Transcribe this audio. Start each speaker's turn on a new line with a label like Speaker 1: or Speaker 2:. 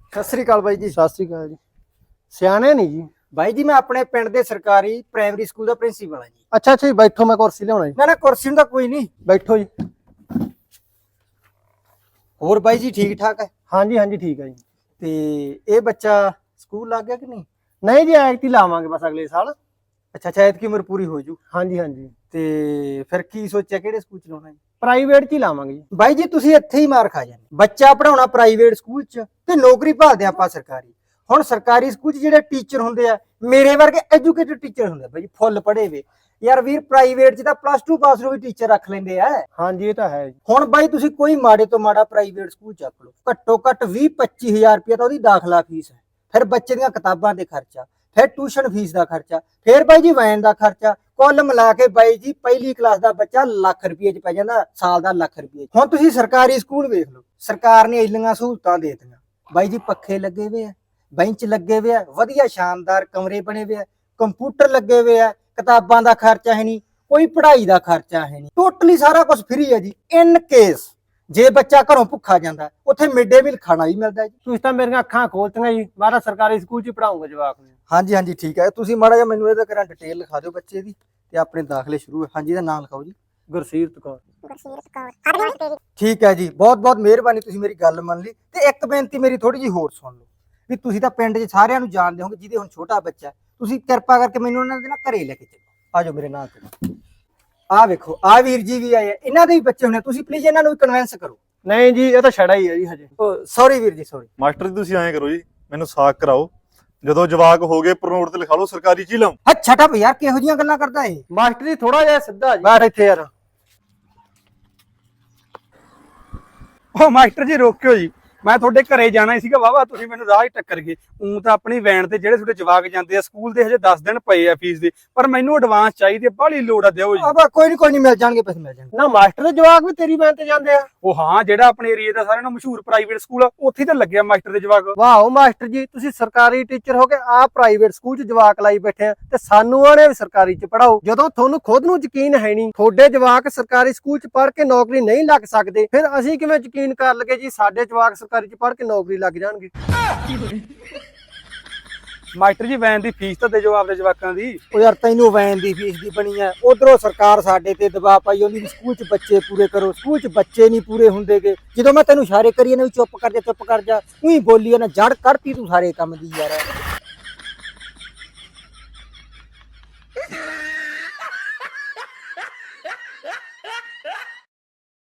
Speaker 1: ਸਤਿ ਸ੍ਰੀ ਅਕਾਲ ਬਾਈ ਜੀ।
Speaker 2: ਸਤਿ ਸ੍ਰੀ ਅਕਾਲ ਜੀ। ਸਿਆਣੇ ਨਹੀਂ ਜੀ।
Speaker 1: ਬਾਈ ਜੀ ਮੈਂ ਆਪਣੇ ਪਿੰਡ ਦੇ ਸਰਕਾਰੀ ਪ੍ਰਾਇਮਰੀ ਸਕੂਲ ਦਾ ਪ੍ਰਿੰਸੀਪਲ ਹਾਂ ਜੀ।
Speaker 2: ਅੱਛਾ ਜੀ, ਬੈਠੋ, ਮੈਂ ਕੁਰਸੀ ਲਿਆਉਣਾ ਜੀ।
Speaker 1: ਨਾ ਕੁਰਸੀ ਨੂੰ ਤਾਂ ਕੋਈ ਨਹੀਂ।
Speaker 2: ਬੈਠੋ ਜੀ।
Speaker 1: ਹੋਰ ਬਾਈ ਜੀ ਠੀਕ ਠਾਕ ਹੈ?
Speaker 2: ਹਾਂਜੀ ਹਾਂਜੀ ਠੀਕ ਹੈ ਜੀ।
Speaker 1: ਤੇ ਇਹ ਬੱਚਾ ਸਕੂਲ ਲੱਗ ਗਿਆ ਕਿ ਨਹੀਂ?
Speaker 2: ਨਹੀਂ ਜੀ, ਐਤਕੀ ਲਾਵਾਂਗੇ ਬਸ ਅਗਲੇ ਸਾਲ।
Speaker 1: ਅੱਛਾ ਐਤਕੀ ਉਮਰ ਪੂਰੀ ਹੋ ਜੂ।
Speaker 2: ਹਾਂਜੀ ਹਾਂਜੀ।
Speaker 1: ਤੇ ਫਿਰ ਕੀ ਸੋਚਿਆ ਕਿਹੜੇ ਸਕੂਲ ਚ ਲਾਉਣਾ ਜੀ?
Speaker 2: ਪ੍ਰਾਈਵੇਟ ਚ ਹੀ ਲਾਵਾਂਗੇ ਜੀ।
Speaker 1: ਬਾਈ ਜੀ ਤੁਸੀਂ ਇੱਥੇ ਹੀ ਮਾਰ ਖਾ ਜਾਂਦੇ। ਬੱਚਾ ਪੜਾਉਣਾ ਪ੍ਰਾਈਵੇਟ ਸਕੂਲ ਚ ਤੇ ਨੌਕਰੀ ਭਾਲਦੇ ਆਪਾਂ ਸਰਕਾਰੀ। ਹੁਣ ਸਰਕਾਰੀ ਸਕੂਲ ਚ ਜਿਹੜੇ ਟੀਚਰ ਹੁੰਦੇ ਆ ਮੇਰੇ ਵਰਗੇ ਐਜੂਕੇਟਡ ਟੀਚਰ ਹੁੰਦੇ ਬਾਈ, ਫੁੱਲ ਪੜ੍ਹੇ ਵੇ। ਯਾਰ ਵੀਰ ਪ੍ਰਾਈਵੇਟ ਚ ਤਾਂ +2 ਪਾਸ ਨੂੰ ਵੀ ਟੀਚਰ ਰੱਖ ਲੈਂਦੇ ਆ।
Speaker 2: ਹਾਂਜੀ ਇਹ ਤਾਂ ਹੈ ਜੀ।
Speaker 1: ਹੁਣ ਬਾਈ ਤੁਸੀਂ ਕੋਈ ਮਾੜੇ ਤੋਂ ਮਾੜਾ ਪ੍ਰਾਈਵੇਟ ਸਕੂਲ ਚੱਕ ਲਓ, ਘੱਟੋ ਘੱਟ 20-25 ਹਜ਼ਾਰ ਰੁਪਏ ਤਾਂ ਉਹਦੀ ਦਾਖਲਾ ਫੀਸ ਹੈ। ਫਿਰ ਬੱਚੇ ਦੀਆਂ ਕਿਤਾਬਾਂ ਦੇ ਖਰਚਾ, ਫਿਰ ਟਿਊਸ਼ਨ ਫੀਸ ਦਾ ਖਰਚਾ, ਫਿਰ ਬਾਈ ਜੀ ਵੈਨ ਦਾ ਖਰਚਾ, ਕੁੱਲ ਮਿਲਾ ਕੇ ਬਾਈ ਜੀ ਪਹਿਲੀ ਕਲਾਸ ਦਾ ਬੱਚਾ ਲੱਖ ਰੁਪਏ ਚ ਪੈ ਜਾਂਦਾ, ਸਾਲ ਦਾ ਲੱਖ ਰੁਪਏ। ਹੁਣ ਤੁਸੀਂ ਸਰਕਾਰੀ ਸਕੂਲ ਵੇਖ ਲਓ, ਸਰਕਾਰ ਨੇ ਇੰਨੀਆਂ ਸਹੂਲਤਾਂ ਦੇ ਦਿੱਤੀਆਂ ਬਾਈ ਜੀ, ਪੱਖੇ ਲੱਗੇ ਹੋਏ ਆ, ਬੈਂਚ ਲੱਗੇ ਹੋਏ ਆ, ਵਧੀਆ ਸ਼ਾਨਦਾਰ ਕਮਰੇ ਬਣੇ ਹੋਏ ਆ, ਕੰਪਿਊਟਰ ਲੱਗੇ ਹੋਏ ਆ, ਕਿਤਾਬਾਂ ਦਾ ਖਰਚਾ ਹੈ ਨਹੀਂ, ਕੋਈ ਪੜ੍ਹਾਈ ਦਾ ਖਰਚਾ ਹੈ ਨਹੀਂ, ਟੋਟਲੀ ਸਾਰਾ ਕੁਝ ਫ੍ਰੀ ਹੈ ਜੀ। ਇਨ ਕੇਸ ਜੇ ਬੱਚਾ ਘਰੋਂ ਭੁੱਖਾ ਜਾਂਦਾ ਉੱਥੇ ਮਿਡ ਡੇ ਮੀਲ ਖਾਣਾ ਵੀ ਮਿਲਦਾ ਜੀ।
Speaker 2: ਤੁਸੀਂ ਤਾਂ ਮੇਰੀਆਂ ਅੱਖਾਂ ਖੋਲਤੀਆਂ ਜੀ। ਮੈਂ ਤਾਂ ਸਰਕਾਰੀ ਸਕੂਲ ਚ ਹੀ ਪੜਾਉਂਗਾ ਜਵਾਕ ਨੂੰ।
Speaker 1: ਹਾਂਜੀ ਹਾਂਜੀ ਠੀਕ ਹੈ। ਤੁਸੀਂ ਮਾੜਾ ਜਿਹਾ ਮੈਨੂੰ ਇਹਦਾ ਕਰਾਂ ਡਿਟੇਲ ਲਿਖਾ ਦਿਓ ਬੱਚੇ ਦੀ ਤੇ ਆਪਣੇ ਦਾਖਲੇ ਸ਼ੁਰੂ ਹੈ। ਹਾਂਜੀ ਇਹਦਾ ਨਾਮ ਲਿਖਾਓ ਜੀ।
Speaker 2: ਗੁਰਸੀਰਤ ਕੌਰ।
Speaker 1: ਠੀਕ ਹੈ ਜੀ, ਬਹੁਤ ਬਹੁਤ ਮਿਹਰਬਾਨੀ, ਤੁਸੀਂ ਮੇਰੀ ਗੱਲ ਮੰਨ ਲਈ। ਤੇ ਇੱਕ ਬੇਨਤੀ ਮੇਰੀ ਥੋੜੀ ਜਿਹੀ ਹੋਰ ਸੁਣ ਲਓ ਵੀ ਤੁਸੀਂ ਤਾਂ ਪਿੰਡ 'ਚ ਸਾਰਿਆਂ ਨੂੰ ਜਾਣਦੇ ਹੋਗੇ, ਜਿਹਦੇ ਹੁਣ ਛੋਟਾ ਬੱਚਾ, ਤੁਸੀਂ ਕਿਰਪਾ ਕਰਕੇ ਮੈਨੂੰ ਉਹਨਾਂ ਦੇ ਨਾਲ ਘਰੇ ਲੈ ਕੇ ਚੱਲੋ। ਆਜੋ ਮੇਰੇ ਨਾਲ ਤੇ। ਆਹ ਵੇਖੋ, ਆਹ ਵੀਰ ਜੀ ਵੀ ਆਏ ਆ, ਇਹਨਾਂ ਦੇ ਵੀ ਬੱਚੇ ਹੋਣੇ, ਤੁਸੀਂ ਪਲੀਜ਼ ਇਹਨਾਂ ਨੂੰ ਵੀ ਕਨਵਿੰਸ ਕਰੋ।
Speaker 2: ਨਹੀਂ ਜੀ, ਇਹ ਤਾਂ ਛੜਾ ਹੀ ਹੈ ਜੀ ਹਜੇ।
Speaker 1: ਸੌਰੀ ਵੀਰ ਜੀ, ਸੌਰੀ।
Speaker 3: ਮਾਸਟਰ ਜੀ ਤੁਸੀਂ ਐਂ ਕਰੋ ਜੀ, ਮੈਨੂੰ ਸਾਕ ਕਰਾਓ, ਜਦੋਂ ਜਵਾਕ ਹੋ ਗਏ ਪ੍ਰਨੋਟ ਤੇ ਲਿਖਾ ਲਓ ਸਰਕਾਰੀ ਚ ਹੀ ਲਾਓ।
Speaker 1: ਅੱਛਾ ਟੱਪ ਯਾਰ, ਕਿਹੋ ਜਿਹੀਆਂ ਗੱਲਾਂ ਕਰਦਾ ਇਹ?
Speaker 2: ਮਾਸਟਰ ਜੀ ਥੋੜਾ ਜਿਹਾ ਸਿੱਧਾ ਜੀ।
Speaker 1: ਬੈਠ ਇੱਥੇ ਯਾਰ।
Speaker 4: ਉਹ ਮਾਸਟਰ ਜੀ ਰੋਕਿਓ ਜੀ, ਮੈਂ ਤੁਹਾਡੇ ਘਰੇ ਜਾਣਾ ਹੀ ਸੀਗਾ। ਵਾਵਾ ਤੁਸੀਂ ਮੈਨੂੰ ਰਾਹ ਹੀ ਟੱਕਰ ਗਏ। ਤਾਂ ਆਪਣੀ ਵੈਨ ਤੇ ਜਿਹੜੇ ਤੁਹਾਡੇ ਜਵਾਕ ਜਾਂਦੇ ਆ ਸਕੂਲ ਦੇ, ਹਜੇ 10 ਦਿਨ ਪਏ ਆ ਫੀਸ ਦੇ, ਪਰ ਮੈਨੂੰ ਐਡਵਾਂਸ ਚਾਹੀਦੀ ਹੈ, ਬਾਹਲੀ ਲੋੜ ਆ, ਦਿਓ ਜੀ।
Speaker 1: ਆਹ ਕੋਈ ਨਹੀਂ ਮਿਲ ਜਾਣਗੇ, ਪੈਸੇ ਮਿਲ ਜਾਣਗੇ।
Speaker 2: ਨਾ ਮਾਸਟਰ ਦੇ ਜਵਾਕ ਵੀ ਤੇਰੀ ਵੈਨ ਤੇ ਜਾਂਦੇ ਆ?
Speaker 4: ਉਹ ਹਾਂ, ਜਿਹੜਾ ਆਪਣੇ ਏਰੀਆ ਦਾ ਸਾਰਿਆਂ ਨਾਲੋਂ ਮਸ਼ਹੂਰ ਪ੍ਰਾਈਵੇਟ ਸਕੂਲ ਆ, ਉੱਥੇ ਤਾਂ ਲੱਗਿਆ ਮਾਸਟਰ ਦੇ ਜਵਾਕ।
Speaker 2: ਵਾਓ ਮਾਸਟਰ ਜੀ, ਤੁਸੀਂ ਸਰਕਾਰੀ ਟੀਚਰ ਹੋ ਕੇ ਆ ਪ੍ਰਾਈਵੇਟ ਸਕੂਲ ਚ ਜਵਾਕ ਲਾਈ ਬੈਠੇ ਆ ਤੇ ਸਾਨੂੰ ਆਣੇ ਵੀ ਸਰਕਾਰੀ ਚ ਪੜਾਓ। ਜਦੋਂ ਤੁਹਾਨੂੰ ਖੁਦ ਨੂੰ ਯਕੀਨ ਹੈ ਨਹੀਂ, ਤੁਹਾਡੇ ਜਵਾਕ ਸਰਕਾਰੀ ਸਕੂਲ ਚ ਪੜ੍ਹ ਕੇ ਨੌਕਰੀ ਨਹੀਂ ਲੱਗ ਸਕਦੇ, ਫਿਰ ਅਸੀਂ ਕਿਵੇਂ ਯਕੀਨ ਕਰ ਲਗੇ ਜੀ ਸਾਡੇ ਜਵਾਕ ਸਰਕਾਰੀ ਚ ਪੜ੍ਹ ਕੇ ਨੌਕਰੀ ਲੱਗ ਜਾਣਗੇ?
Speaker 4: ਮਾਸਟਰ ਜੀ ਵੈਨ ਦੀ ਫੀਸ ਤਾਂ ਦੇ ਜੋ ਆਪਦੇ ਜਵਾਕਾਂ ਦੀ।
Speaker 1: ਉਹ ਯਾਰ ਤੈਨੂੰ ਵੈਨ ਦੀ ਫੀਸ ਦੀ ਬਣੀ ਐ, ਉਧਰੋਂ ਸਰਕਾਰ ਸਾਡੇ ਤੇ ਦਬਾਅ ਪਾਈ ਉਹਦੀ ਸਕੂਲ 'ਚ ਬੱਚੇ ਪੂਰੇ ਕਰੋ, ਸਕੂਲ 'ਚ ਬੱਚੇ ਨਹੀਂ ਪੂਰੇ ਹੁੰਦੇਗੇ। ਜਦੋਂ ਮੈਂ ਤੈਨੂੰ ਇਸ਼ਾਰੇ ਕਰੀਏ ਨਾ ਵੀ ਚੁੱਪ ਕਰ ਜਾ, ਉਹੀ ਬੋਲੀ ਨਾ, ਜੜ ਕੱਢਤੀ ਤੂੰ ਸਾਰੇ ਕੰਮ ਦੀ ਯਾਰ।